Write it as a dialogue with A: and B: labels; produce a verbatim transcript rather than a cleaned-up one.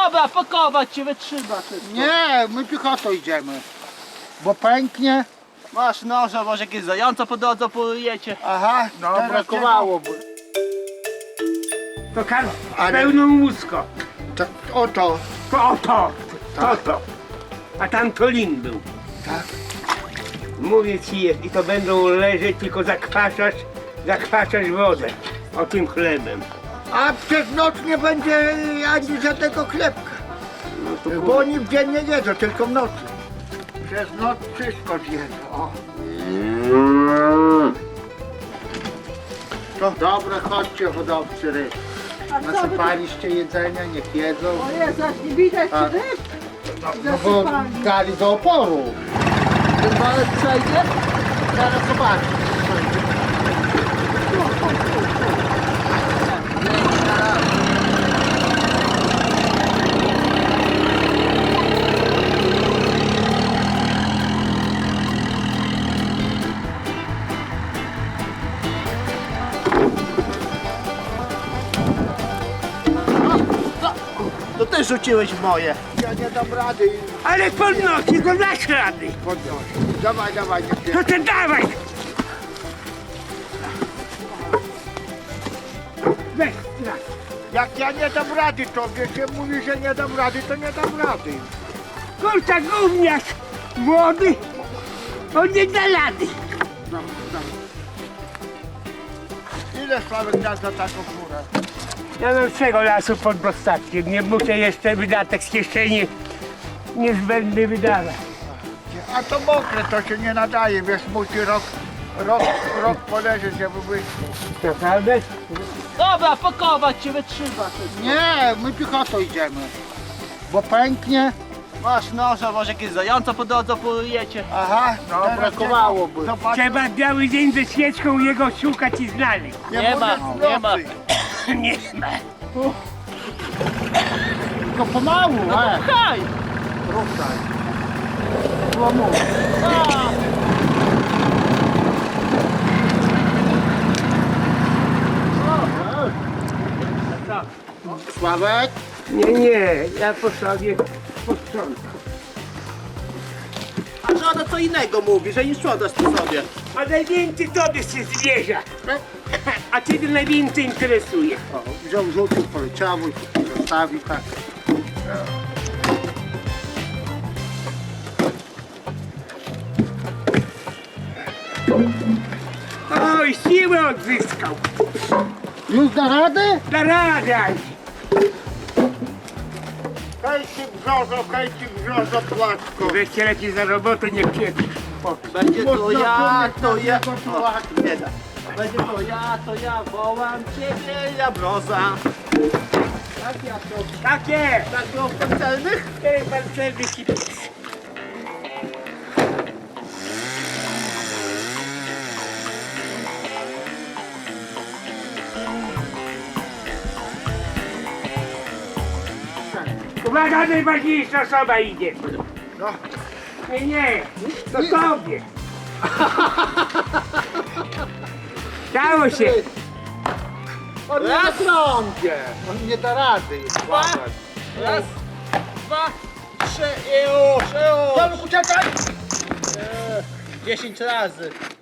A: Dobra, pakować cię, wytrzyma wszystko.
B: Nie, my piechotą idziemy. Bo pęknie.
A: Masz noża, może jakieś zająca po drodze polujecie.
B: Aha, no brakowałoby.
C: To kar
B: Ale-
C: pełną łódzko.
B: To, oto.
C: To oto, to to. A tam to lin był.
B: Tak.
C: Mówię ci jest i to będą leżeć, tylko zakwaszasz, zakwaszasz wodę. O tym chlebem.
B: A przez noc nie będzie ani żadnego chlebka.
C: No to
B: Bo oni w dzień nie jedzą, tylko w nocy. Przez noc wszystko zjedzą. O. To dobre, chodźcie hodowcy ryb. Nasypaliście jedzenia, niech jedzą.
D: O Jezu, aż nie widać
B: A.
D: ryb.
B: No, no bo dali do oporu.
A: Ten walec przejdzie?
B: Zaraz zobaczysz.
A: To ty rzuciłeś w moje.
B: Ja nie dam rady.
C: Ale podnosi, to dasz rady.
B: Podnoś. Dawaj, dawaj, nie
C: To ty dawaj. Weź, tak.
B: Jak ja nie dam rady, to wiecie, mówi, że nie dam rady, to nie dam rady.
C: Kurczak gówniarz młody, on nie da rady.
B: Dam, dam. Ile Sławek da za taką górę?
C: Ja mam swego lasu pod dostatkiem, nie muszę jeszcze wydatek z kieszeni niezbędny wydawać.
B: A to mokre, to się nie nadaje, wiesz, musi rok, rok, rok poleżeć, żeby być.
C: Naprawdę?
A: Dobra, pakować cię, wytrzyma wszystko.
B: Nie, my piechotą idziemy. Bo pęknie.
A: Masz noża, może jakieś zająca po drodze polujecie.
B: Aha, no
A: Teraz
B: brakowałoby. Zobacz,
C: Trzeba biały dzień ze świeczką jego szukać i znaleźć.
A: Nie ma,
B: mówię w
A: nie ma.
B: nocy.
C: Nie ma.
B: Tylko pomału, e.
A: Haj!
B: Ruszaj. Złomu. Sławek?
C: Nie, nie, ja po sobie posprzątam.
A: A żona co innego mówi, że nie sprzątasz po sobie.
C: A najwięcej tobie się zwierza. A ciebie najwięcej interesuje.
B: O, wziął, rzucił, poleciało i zostawi tak.
C: Oj, siłę odzyskał.
B: Już da radę?
C: Da radę.
B: Kajci brzozo, kajci brzozo, płatko.
C: Weźcie lepiej za robotę, nie pieprz.
A: Będzie to ja, to ja.
B: O,
A: O, nie da. Będzie to ja, to ja, wołam ciebie, ja broza. Tak jak to,
C: Takie!
A: tak było w pancernych?
C: Cztery pancerny kipis. Uwaga, najważniejsza osoba idzie.
B: No.
C: Nie, nie, to tobie. Stało się.
B: On nie
A: Raz.
B: trąbie. On nie da rady. Sławek.
A: Raz, dwa, trzy i już, już.
B: Sławek, uciekaj!
A: Dziesięć razy.